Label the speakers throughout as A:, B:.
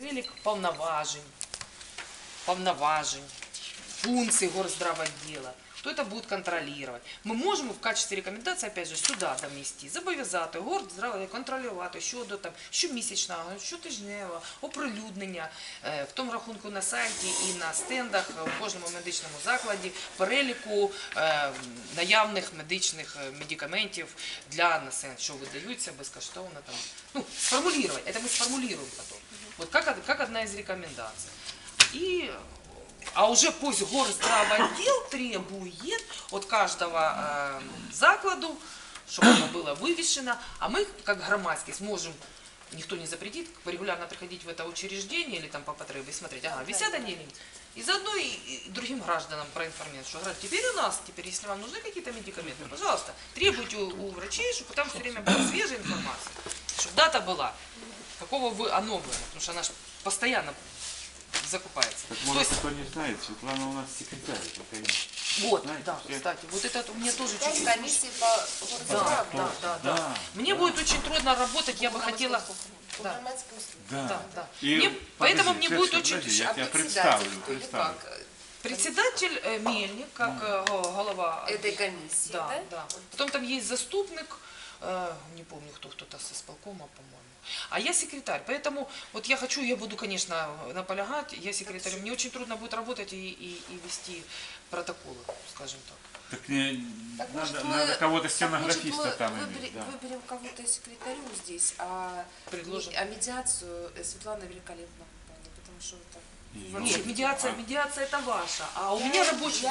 A: перелік повноважень, функций горздравотдела. Кто это будет контролировать? Мы можем в качестве рекомендации, опять же, сюда донести, зобов'язати горздравотдел контролювати щодо там, щомісячного, щотижневого оприлюднення, в тому рахунку на сайті і на стендах у кожному медичному закладі переліку наявних медичних медикаментів для населення, що видаються безкоштовно. Там. Ну, сформулировать, это мы сформулируем потом. Вот как одна из рекомендаций. И а уже пусть горздравотдел требует от каждого закладу, чтобы оно было вывешено, а мы, как громадские, сможем, никто не запретит, регулярно приходить в это учреждение или там по потребе и смотреть, ага, висят они или нет. И заодно и другим гражданам проинформировать, что теперь у нас, если вам нужны какие-то медикаменты, пожалуйста, требуйте у врачей, чтобы там все время была свежая информация, чтобы дата была, какого вы оно было, потому что она же постоянно закупается.
B: Так, может, кто не знает, Светлана у нас секретарь.
A: Вот,
B: знаете,
A: да,
B: все...
A: кстати, вот это мне тоже чуть-чуть...
C: комиссии по
A: Да. Мне будет очень трудно работать, я бы хотела...
B: Да.
A: Поэтому мне будет очень...
B: Я тебя представлю.
A: Председатель Мельник, как голова...
C: Этой комиссии,
A: да? Потом там есть заступник, не помню, кто-то с исполкома, по-моему. А я секретарь, поэтому вот я буду, конечно, наполягать, я секретарь, мне очень трудно будет работать и вести протоколы, скажем так.
B: Так надо кого-то стенографиста там иметь.
C: Выберем кого-то секретарю здесь, а медиацию Светлана великолепно выполнит, потому что это...
A: Нет, медиация это ваша, а у меня рабочий...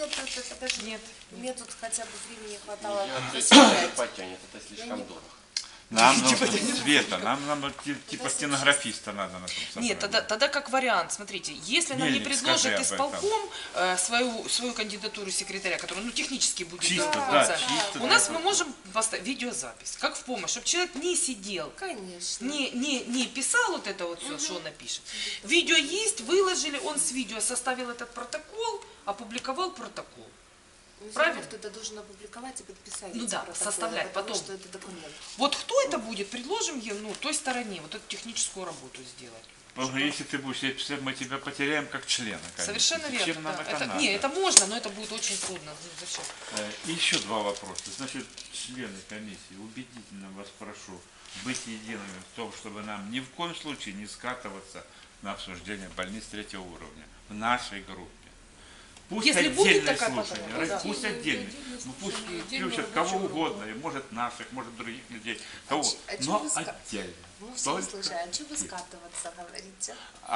C: Нет, мне тут хотя бы времени хватало.
D: Потянет, это слишком дорого.
B: Нам нужно Света, нам типа стенографиста надо на том собрании.
A: Нет, тогда как вариант, смотрите, если нам не предложит исполком свою кандидатуру секретаря, которая технически будет
B: чисто,
A: у нас мы можем поставить видеозапись, как в помощь, чтобы человек не сидел,
C: конечно,
A: не писал вот это вот все, что он напишет. Видео есть, выложили, он с видео составил этот протокол, опубликовал протокол. Правильно?
C: Кто-то должен опубликовать и подписать.
A: Ну да, составлять потом.
C: Что это документ.
A: Вот кто это будет, предложим ей, той стороне, вот эту техническую работу сделать.
B: Если ты будешь писать, мы тебя потеряем как члена. Конечно.
A: Совершенно верно.
B: Да.
A: Это можно, но это будет очень трудно. Зачем?
B: Еще два вопроса. Значит, члены комиссии, убедительно вас прошу быть едиными в том, чтобы нам ни в коем случае не скатываться на обсуждение больниц третьего уровня в нашей группе. Пусть
A: если
B: отдельное
A: будет
B: слушание, пусть отдельно, пусть включат кого угодно, и может наших, может других людей, кого, но отдельно.
C: Ну, все слушают, а что вы скатываться, говорите?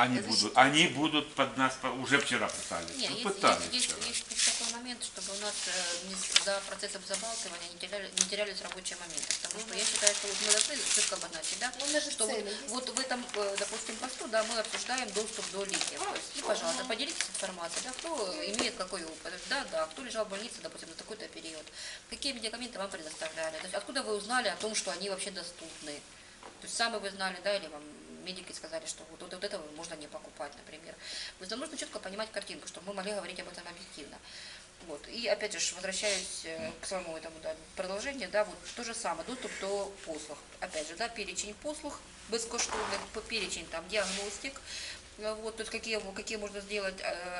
B: Они будут под нас, уже вчера пытались.
E: Нет, есть такой момент, чтобы у нас за процессом забалтывания не терялись рабочие моменты. Потому что я считаю, что мы должны четко обозначить, да, что вот в этом, допустим, посту, да, мы обсуждаем доступ до лекаря. И, пожалуйста, поделитесь информацией, да, кто имеет какой опыт, да, кто лежал в больнице, допустим, на такой-то период, какие медикаменты вам предоставляли, то есть откуда вы узнали о том, что они вообще доступны. То есть сами вы знали, да, или вам медики сказали, что вот этого можно не покупать, например. То есть нам нужно четко понимать картинку, чтобы мы могли говорить об этом объективно. Вот. И опять же, возвращаюсь к своему этому продолжению, да, вот то же самое, доступ до послуг. Опять же, да, перечень послуг безкоштовных, перечень там диагностик, вот, то есть какие можно сделать...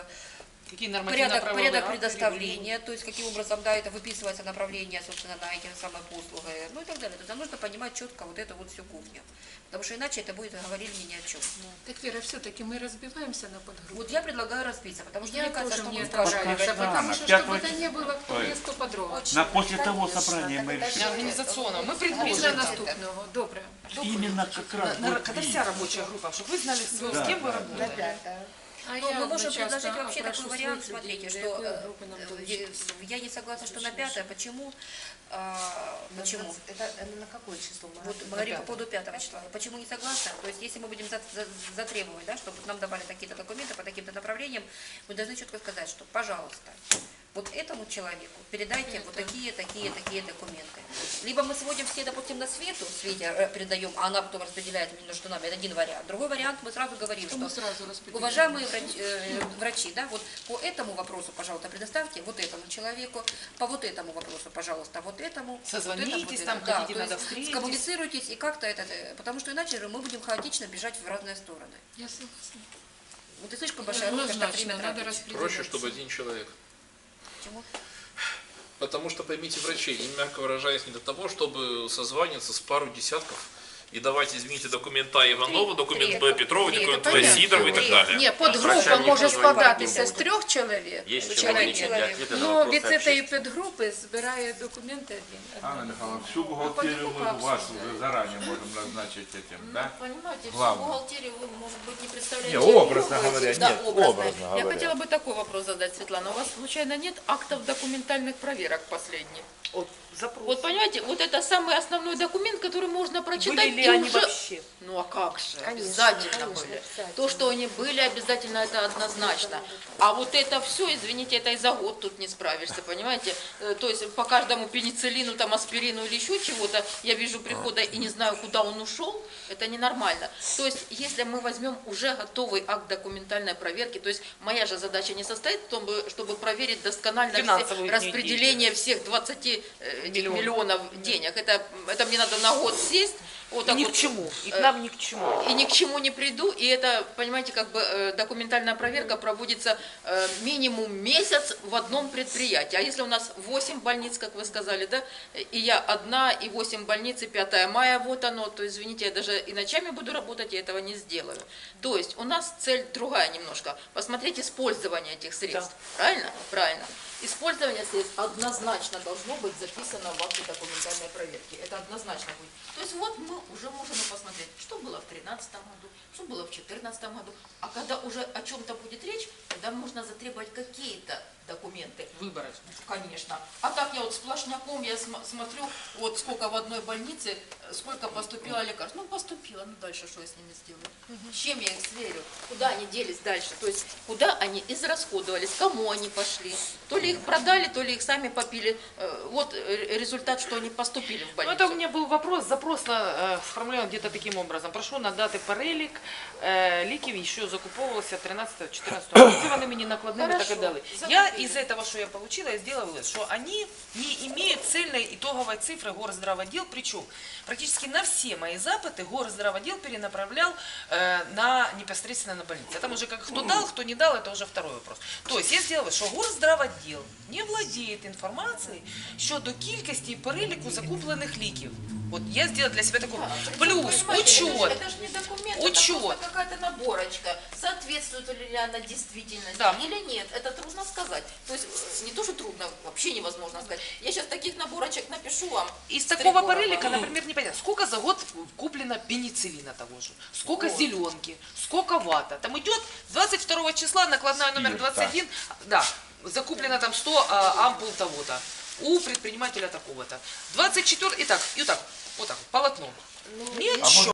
E: Порядок предоставления, то есть каким образом, да, это выписывается направление, собственно, на эти самые послуги, ну и так далее. То есть нам нужно понимать четко вот эту вот всю кухню, потому что иначе это будет говорить ни о чем.
F: Так, Вера, все-таки мы разбиваемся на подгруппы.
E: Вот я предлагаю разбиться, потому что мне кажется, что
F: не
E: мы
F: потому что чтобы это не было кто есть, кто подробно.
B: После того собрания мы решили.
A: Организационного. Мы предложим.
F: Після наступного. Добре.
B: Именно как раз.
A: Когда вся рабочая группа, чтобы вы знали, с кем вы работаете.
E: Мы можем предложить вообще такой вариант, смотрите, что я не согласна, что на 5-е, почему? Почему?
C: Это на какое число?
E: Вот мы говорим по поводу 5 числа. Почему не согласна? То есть если мы будем затребовать, да, чтобы нам давали какие-то документы по таким-то направлениям, мы должны четко сказать, что, пожалуйста, вот этому человеку передайте вот такие документы. Либо мы сводим все, допустим, на Свете передаем, а она потом распределяет между нами. Это один вариант. Другой вариант, мы сразу говорим, что уважаемые врачи, да, вот по этому вопросу, пожалуйста, предоставьте вот этому человеку, по вот этому вопросу, пожалуйста, вот этому.
A: Созвонитесь,
E: вот
A: там,
E: да,
A: хотите,
E: то
A: надо
E: есть
A: встретиться.
E: скоммуницируйтесь и как-то это, потому что иначе мы будем хаотично бежать в разные стороны.
F: Я согласна.
E: Вот и слишком большая роль, как
F: Однозначно,
E: время
F: надо
E: тратить.
F: распределять.
G: Проще, чтобы один человек.
E: Почему?
G: Потому что, поймите, врачей, им, мягко выражаясь, не для того, чтобы созваниваться с пару десятков и давать, извините, документ А Иванова, документ Б Петрова, документ В Сидорова и так далее.
F: Ні, подгрупа може складатися з 3 чоловік,
D: Есть
E: Человек,
D: чиновники для
E: человек.
D: ответа на
F: но
D: вопрос
F: від цієї
D: общественности.
F: підгрупи збирає документи один.
B: Анна Михайловна, всю бухгалтерию мы вас уже заранее можем назначить этим, да?
E: Понимаете, всю
B: Главное.
E: бухгалтерию вы, может быть, не представляете.
B: Не, образно
E: Вы
B: говоря,
E: да,
B: нет,
E: образно.
B: образно
H: Я
B: говоря.
H: хотела бы такой вопрос задать, Светлана. У вас случайно нет актов документальных проверок последних?
A: Вот запрос.
H: Вот понимаете, вот это самый основной документ, который можно прочитать.
A: Были ли
H: и
A: они
H: уже...
A: вообще?
H: Ну а как же?
C: Конечно,
H: Обязательно
C: конечно,
H: были.
C: обязательно.
H: То, что они были, обязательно это однозначно. А вот это все, извините, это и за год тут не справишься, понимаете? То есть по каждому пенициллину, там, аспирину или еще чего-то, я вижу прихода и не знаю, куда он ушел, это ненормально. То есть если мы возьмем уже готовый акт документальной проверки, то есть моя же задача не состоит в том, чтобы проверить досконально
A: Финансовую
H: все
A: их
H: распределение всех 20 миллионов денег. Это мне надо на год сесть. Вот так
A: Ни
H: вот,
A: к чему. И к нам ни к чему.
H: и ни к чему не приду, и это, понимаете, как бы документальная проверка проводится минимум месяц в одном предприятии. А если у нас 8 больниц, как вы сказали, да, и я одна, и 8 больниц, и 5 мая, вот оно, то извините, я даже и ночами буду работать, я этого не сделаю. То есть у нас цель другая немножко, посмотреть использование этих средств, правильно? Правильно. Использование средств однозначно должно быть записано в акте документальной проверки. Это однозначно будет. То есть вот мы уже можем посмотреть, что было в 2013 году, что было в 2014 году. А когда уже о чем-то будет речь, тогда можно затребовать какие-то документы.
A: Выборочно.
H: Конечно. А так я вот сплошняком, я смотрю, вот сколько в одной больнице, сколько поступило лекарств. Ну, поступило, ну дальше что я с ними сделаю? С чем я их сверю? Куда они делись дальше? То есть, куда они израсходовались, кому они пошли? То ли их продали, то ли их сами попили. Вот результат, что они поступили в
A: Ну,
H: больницу.
A: это у меня был вопрос, запрос сформулирован где-то таким образом. Прошу надати перелік ліків, що закуповувалося 13-14 року. Які вони мені накладними так і дали. Я из этого, что я получила, я сделала вывод, что они не имеют цельной итоговой цифры горздравотдел, причем практически на все мои запыты горздравотдел перенаправлял непосредственно на больницу. Там уже как кто дал, кто не дал, это уже второй вопрос. То есть я сделала, що горздравотдел не владіє інформацією щодо кількості і переліку закуплених ліків. Вот я сделала для себя такой плюс, учет.
H: Это же не документ,
A: Учет.
H: это просто какая-то наборочка. Соответствует ли она действительности
A: Да.
H: или нет, это трудно сказать. То есть не то, что трудно, вообще невозможно сказать. Я сейчас таких наборочек напишу вам.
A: Из такого
H: Стригорова.
A: перелика, например, непонятно, сколько за год куплено пенициллина того же, сколько зеленки, сколько вата. Там идет 22 числа накладная номер 21, да, закуплено там 100 ампул того-то у предпринимателя такого-то. 24, и так, вот так, полотно. Ничего.